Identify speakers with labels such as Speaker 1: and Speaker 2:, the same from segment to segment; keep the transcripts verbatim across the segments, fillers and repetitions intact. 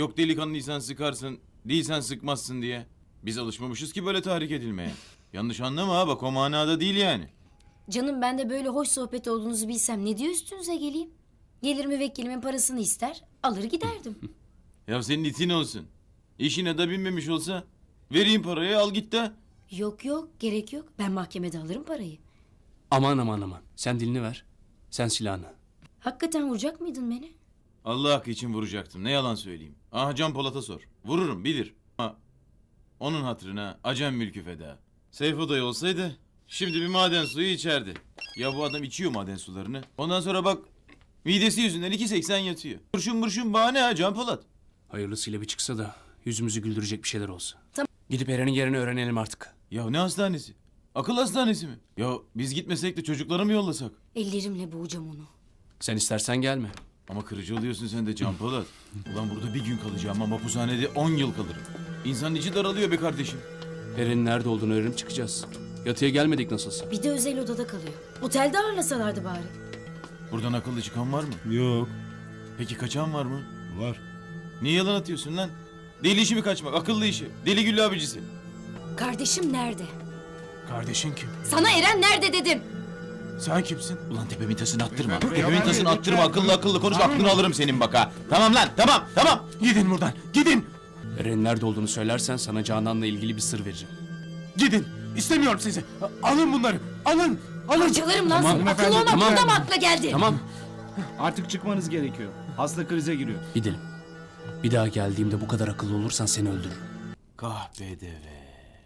Speaker 1: Yok delikanlıysan sıkarsın, değilsen sıkmazsın diye. Biz alışmamışız ki böyle tahrik edilmeye. Yanlış anlama ha, bak o manada değil yani.
Speaker 2: Canım ben de böyle hoş sohbet olduğunuzu bilsem ne diye üstünüze geleyim? Gelir müvekkilimin parasını ister, alır giderdim.
Speaker 1: Ya senin itin olsun. İşine de binmemiş olsa vereyim parayı, al git de.
Speaker 2: Yok yok, gerek yok. Ben mahkemede alırım parayı.
Speaker 3: Aman aman aman. Sen dilini ver. Sen silahını.
Speaker 2: Hakikaten vuracak mıydın beni?
Speaker 1: Allah hakkı için vuracaktım, ne yalan söyleyeyim. Aha Can Polat'a sor. Vururum, bilir. Ama onun hatırına acem mülkü feda. Seyfo dayı olsaydı şimdi bir maden suyu içerdi. Ya bu adam içiyor maden sularını. Ondan sonra bak midesi yüzünden iki seksen yatıyor. Burşun burşun bahane ha Can Polat.
Speaker 3: Hayırlısıyla bir çıksa da yüzümüzü güldürecek bir şeyler olsa.
Speaker 2: Tamam.
Speaker 3: Gidip Eren'in yerini öğrenelim artık.
Speaker 1: Ya ne hastanesi? Akıl hastanesi mi? Ya biz gitmesek de çocukları mı yollasak?
Speaker 2: Ellerimle boğacağım onu.
Speaker 3: Sen istersen gelme.
Speaker 1: Ama kırıcı oluyorsun sen de Can Polat. Ulan burada bir gün kalacağım ama mahpushanede on yıl kalırım. İnsanın içi daralıyor be kardeşim.
Speaker 3: Eren'in nerede olduğunu öğrenip çıkacağız. Yatıya gelmedik nasılsa.
Speaker 2: Bir de özel odada kalıyor. Otelde ağırlasalardı bari.
Speaker 1: Buradan akıllı çıkan var mı?
Speaker 4: Yok.
Speaker 1: Peki kaçan var mı?
Speaker 4: Var.
Speaker 1: Niye yalan atıyorsun lan? Deli işi mi kaçmak? Akıllı işi. Deli güllü abicisi.
Speaker 2: Kardeşim nerede?
Speaker 1: Kardeşin kim?
Speaker 2: Sana Eren nerede dedim.
Speaker 1: Sen kimsin? Ulan tepemin tasını attırma. Tepemin tasını attırma. Akıllı akıllı konuş. Aklını alırım senin bak ha. Tamam lan, tamam tamam. Gidin buradan, gidin.
Speaker 3: Eren'in nerede olduğunu söylersen sana Canan'la ilgili bir sır vereceğim.
Speaker 1: Gidin. İstemiyorum sizi. Alın bunları. Alın. Alın.
Speaker 2: Parçalarım lan
Speaker 3: Tamam,
Speaker 2: seni. Akıllı
Speaker 3: hanımefendi,
Speaker 2: olmak
Speaker 3: tamam.
Speaker 2: burada mı akla geldi?
Speaker 3: Tamam,
Speaker 4: Artık çıkmanız gerekiyor. Hasta krize giriyor.
Speaker 3: gidelim. Bir daha geldiğimde bu kadar akıllı olursan seni öldürürüm.
Speaker 1: Kahpedeve.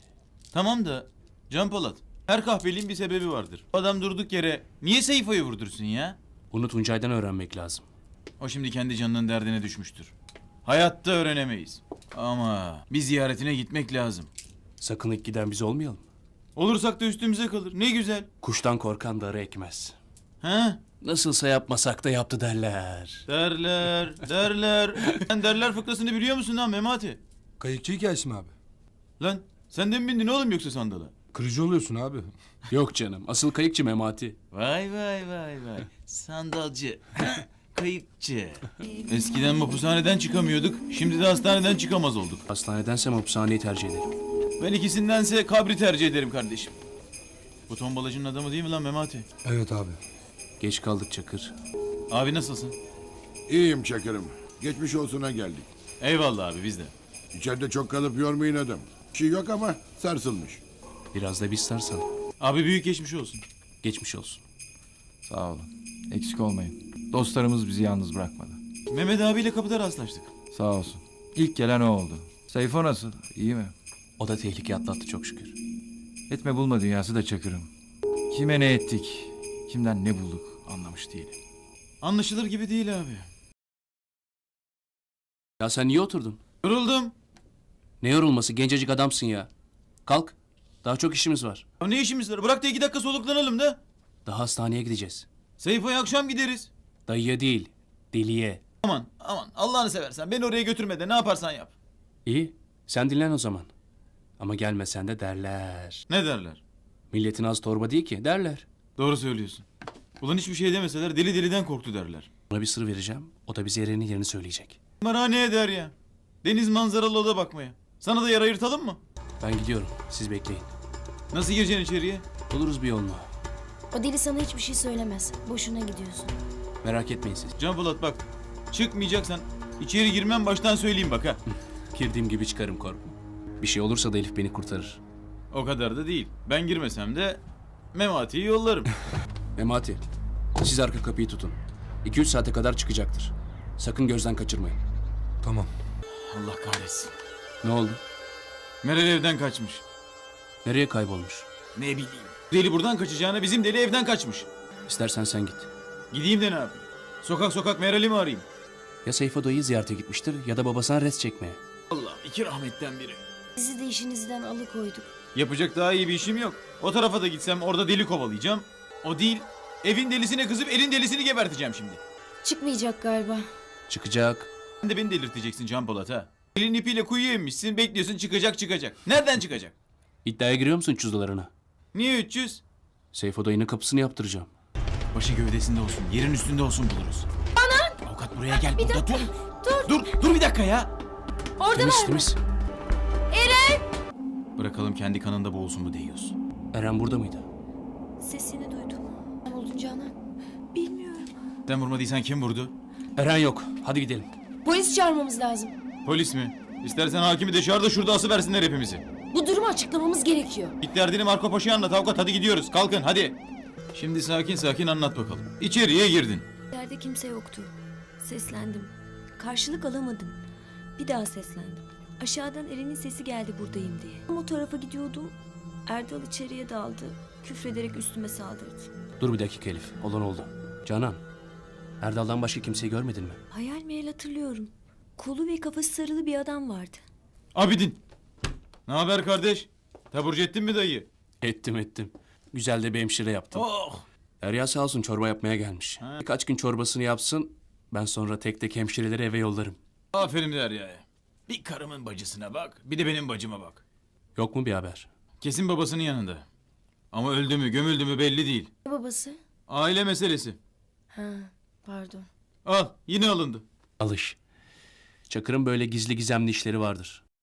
Speaker 1: Tamam da Can Polat, her kahpeliğin bir sebebi vardır. Adam durduk yere niye Seyfo'yu vurdursun ya?
Speaker 3: Bunu Tuncay'dan öğrenmek lazım.
Speaker 1: O şimdi kendi canının derdine düşmüştür. Hayatta öğrenemeyiz. Ama bir ziyaretine gitmek lazım.
Speaker 3: Sakın ilk giden biz olmayalım.
Speaker 1: Olursak da üstümüze kalır. Ne güzel.
Speaker 3: Kuştan korkan darı ekmez.
Speaker 1: Ha?
Speaker 3: Nasılsa yapmasak da yaptı derler.
Speaker 1: Derler, derler. Sen derler fıkrasını biliyor musun lan Memati?
Speaker 5: Kayıkçı hikayesi mi abi?
Speaker 1: Lan sen de mi bindin oğlum yoksa sandala?
Speaker 5: Kırıcı oluyorsun abi.
Speaker 3: Yok canım, asıl kayıkçı Memati.
Speaker 1: Vay vay vay vay. Sandalcı. Kayıkçı. Eskiden mahpushaneden çıkamıyorduk. Şimdi de hastaneden çıkamaz olduk.
Speaker 3: Hastanedense hapishaneyi tercih ederim.
Speaker 1: Ben ikisindense kabri tercih ederim kardeşim. Bu tombalacının adamı değil mi lan Memati?
Speaker 5: Evet abi.
Speaker 3: Geç kaldık Çakır.
Speaker 1: Abi nasılsın?
Speaker 6: İyiyim Çakır'ım. Geçmiş olsuna geldik.
Speaker 1: Eyvallah abi biz de.
Speaker 6: İçeride çok kalıp yormayın adam. Bir şey yok ama sarsılmış.
Speaker 3: Biraz da biz sarsan.
Speaker 1: Abi büyük geçmiş olsun.
Speaker 3: Geçmiş olsun.
Speaker 7: Sağ olun. Eksik olmayın. Dostlarımız bizi yalnız bırakmadı.
Speaker 1: Mehmet abiyle kapıda rastlaştık.
Speaker 7: Sağ olsun. İlk gelen o oldu. Seyfo nasıl? İyi mi?
Speaker 3: O da tehlike atlattı çok şükür.
Speaker 7: Etme bulma dünyası da Çakır'ım. Kime ne ettik, kimden ne bulduk anlamış değilim.
Speaker 1: Anlaşılır gibi değil abi.
Speaker 3: Ya sen niye oturdun?
Speaker 1: Yoruldum.
Speaker 3: Ne yorulması, gencecik adamsın ya. Kalk. Daha çok işimiz var.
Speaker 1: Ya ne işimiz var? Bırak da iki dakika soluklanalım da.
Speaker 3: Daha hastaneye gideceğiz.
Speaker 1: Seyfo'ya akşam gideriz.
Speaker 3: Dayıya değil, deliye.
Speaker 1: Aman aman Allah'ını seversen beni oraya götürme de ne yaparsan yap.
Speaker 3: İyi, sen dinlen o zaman. Ama gelmesen de derler.
Speaker 1: Ne derler?
Speaker 3: Milletin az torba değil ki, derler.
Speaker 1: Doğru söylüyorsun. Ulan hiçbir şey demeseler deli deliden korktu derler.
Speaker 3: Ona bir sır vereceğim, o da bize Eren'in yerini söyleyecek.
Speaker 1: Bana ne eder ya? Deniz manzaralı oda bakmaya. Sana da yer ayırtalım mı?
Speaker 3: Ben gidiyorum, siz bekleyin.
Speaker 1: Nasıl gireceksin içeriye?
Speaker 3: Buluruz bir yolunu.
Speaker 2: O deli sana hiçbir şey söylemez. Boşuna gidiyorsun.
Speaker 3: Merak etmeyin siz.
Speaker 1: Can Polat bak. Çıkmayacaksan içeri girmem baştan söyleyeyim bak ha.
Speaker 3: Girdiğim gibi çıkarım korkma. Bir şey olursa da Elif beni kurtarır.
Speaker 1: O kadar da değil. Ben girmesem de Memati'yi yollarım.
Speaker 3: Memati, siz arka kapıyı tutun. iki üç saate kadar çıkacaktır. Sakın gözden kaçırmayın.
Speaker 5: Tamam.
Speaker 1: Allah kahretsin.
Speaker 3: Ne oldu?
Speaker 1: Meral evden kaçmış.
Speaker 3: Nereye kaybolmuş?
Speaker 1: Ne bileyim. Deli buradan kaçacağına bizim deli evden kaçmış.
Speaker 3: İstersen sen git.
Speaker 1: Gideyim de ne yapayım? Sokak sokak Meral'i mi arayayım?
Speaker 3: Ya Seyfo dayıyı ziyarete gitmiştir ya da babasına res çekmeye.
Speaker 1: Allah'ım iki rahmetten biri.
Speaker 2: Sizi de işinizden alıkoyduk.
Speaker 1: Yapacak daha iyi bir işim yok. O tarafa da gitsem orada deli kovalayacağım. O değil. Evin delisine kızıp elin delisini geberteceğim şimdi.
Speaker 2: Çıkmayacak galiba.
Speaker 3: Çıkacak.
Speaker 1: Sen de beni delirteceksin Can Polat ha. Elin ipiyle kuyuya inmişsin bekliyorsun çıkacak çıkacak. Nereden çıkacak?
Speaker 3: İddiaya giriyor musun cüzdalarına?
Speaker 1: Niye üç yüz?
Speaker 3: Seyfo dayının kapısını yaptıracağım.
Speaker 1: Başı gövdesinde olsun, yerin üstünde olsun buluruz. Anan! Avukat buraya gel.
Speaker 2: Bir
Speaker 1: burada
Speaker 2: dakika.
Speaker 1: dur. Dur. Dur, dur bir dakika ya.
Speaker 2: Oradalar
Speaker 3: Temiz
Speaker 2: mı?
Speaker 3: temiz.
Speaker 1: Bırakalım kendi kanında boğulsun bu deyiyoruz.
Speaker 3: Eren burada mıydı?
Speaker 8: Sesini duydum.
Speaker 2: Ne buldun Canan?
Speaker 8: Bilmiyorum.
Speaker 1: Sen vurmadıysan kim vurdu?
Speaker 3: Eren yok. Hadi gidelim.
Speaker 2: Polis çağırmamız lazım.
Speaker 1: Polis mi? İstersen hakimi de çağır da şurada asıversinler hepimizi.
Speaker 2: Bu durumu açıklamamız gerekiyor.
Speaker 1: Git derdini Marco Paşa'ya anlat avukat, hadi gidiyoruz, kalkın hadi. Şimdi sakin sakin anlat bakalım. İçeriye girdin.
Speaker 8: Yerde kimse yoktu. Seslendim. Karşılık alamadım. Bir daha seslendim. Aşağıdan Eren'in sesi geldi buradayım diye. Tam o tarafa gidiyordum. Erdal içeriye daldı. Küfrederek üstüme saldırdı.
Speaker 3: Dur bir dakika Elif. Olan oldu. Canan. Erdal'dan başka kimseyi görmedin mi?
Speaker 8: Hayal meyal hatırlıyorum. Kolu ve kafası sarılı bir adam vardı.
Speaker 1: Abidin. Ne haber kardeş? Taburcu ettin mi dayı?
Speaker 3: Ettim ettim. Güzel de bir hemşire yaptım.
Speaker 1: Oh.
Speaker 3: Derya sağ olsun çorba yapmaya gelmiş.
Speaker 1: Ha.
Speaker 3: Birkaç gün çorbasını yapsın. Ben sonra tek tek hemşireleri eve yollarım.
Speaker 1: Aferin Derya'ya. Bir karımın bacısına bak, bir de benim bacıma bak.
Speaker 3: Yok mu bir haber?
Speaker 1: Kesin babasının yanında. Ama öldü mü, gömüldü mü belli değil.
Speaker 2: Ne babası?
Speaker 1: Aile meselesi.
Speaker 2: Ha, pardon.
Speaker 1: Al, yine alındı.
Speaker 3: Alış. Çakır'ın böyle gizli gizemli işleri vardır.